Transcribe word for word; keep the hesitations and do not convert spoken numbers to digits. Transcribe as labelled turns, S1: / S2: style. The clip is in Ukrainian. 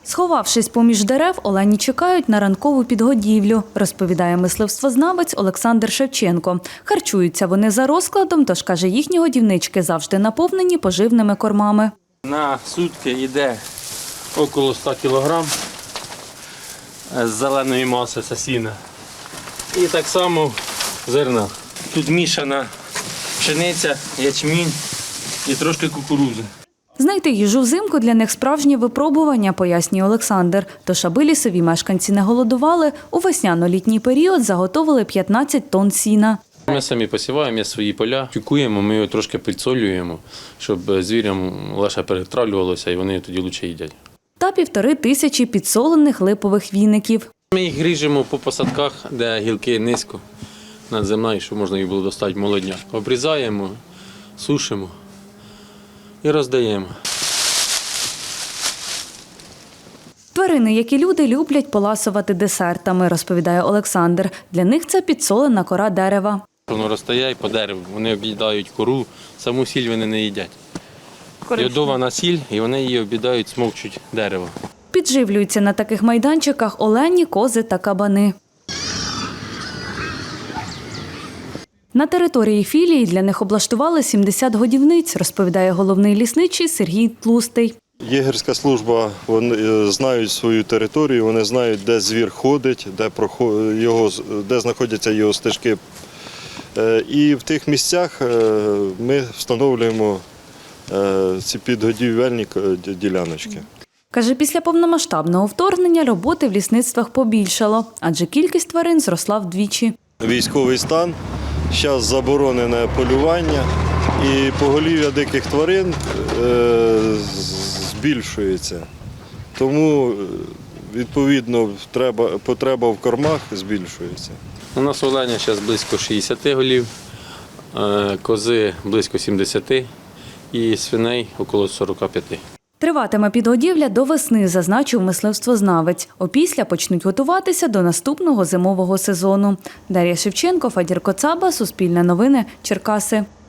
S1: Сховавшись поміж дерев, олені чекають на ранкову підгодівлю, розповідає мисливствознавець Олександр Шевченко. Харчуються вони за розкладом, тож, каже, їхні годівнички завжди наповнені поживними кормами.
S2: На сутки йде около ста кілограм з зеленої маси, це сіна. І так само зерна. Тут мішана пшениця, ячмінь і трошки кукурудзи.
S1: Знайти їжу взимку для них справжнє випробування, пояснює Олександр. Тож, аби лісові мешканці не голодували, у весняно-літній період заготовили п'ятнадцять тонн сіна.
S2: Ми самі посіваємо, є свої поля, тюкуємо, ми його трошки підсолюємо, щоб звірям легше перетравлювалося і вони тоді краще їдять.
S1: Та півтори тисячі підсолених липових віників.
S2: Ми їх ріжемо по посадках, де гілки низько над землею, щоб можна їх було достати молодня. Обрізаємо, сушимо і роздаємо.
S1: Тварини, як і люди, люблять поласувати десертами, розповідає Олександр. Для них це підсолена кора дерева.
S2: Воно розтає по дереву, вони об'їдають кору, саму сіль вони не їдять. Йодована сіль, і вони її об'їдають, смокчуть дерево.
S1: Підживлюються на таких майданчиках олені, кози та кабани. На території філії для них облаштували сімдесят годівниць, розповідає головний лісничий Сергій Тлустий.
S3: Єгерська служба, вони знають свою територію, вони знають, де звір ходить, де, його, де знаходяться його стежки. І в тих місцях ми встановлюємо ці підгодівельні діляночки.
S1: Каже, після повномасштабного вторгнення роботи в лісництвах побільшало, адже кількість тварин зросла вдвічі.
S3: Військовий стан, зараз заборонене полювання і поголів'я диких тварин збільшується. Тому, відповідно, потреба в кормах збільшується.
S2: У нас оленя зараз близько шістдесят голів, кози близько сімдесят і свиней около сорок п'ять.
S1: Триватиме підгодівля до весни, зазначив мисливствознавець. Опісля почнуть готуватися до наступного зимового сезону. Дар'я Шевченко, Фадір Коцаба, Суспільне новини, Черкаси.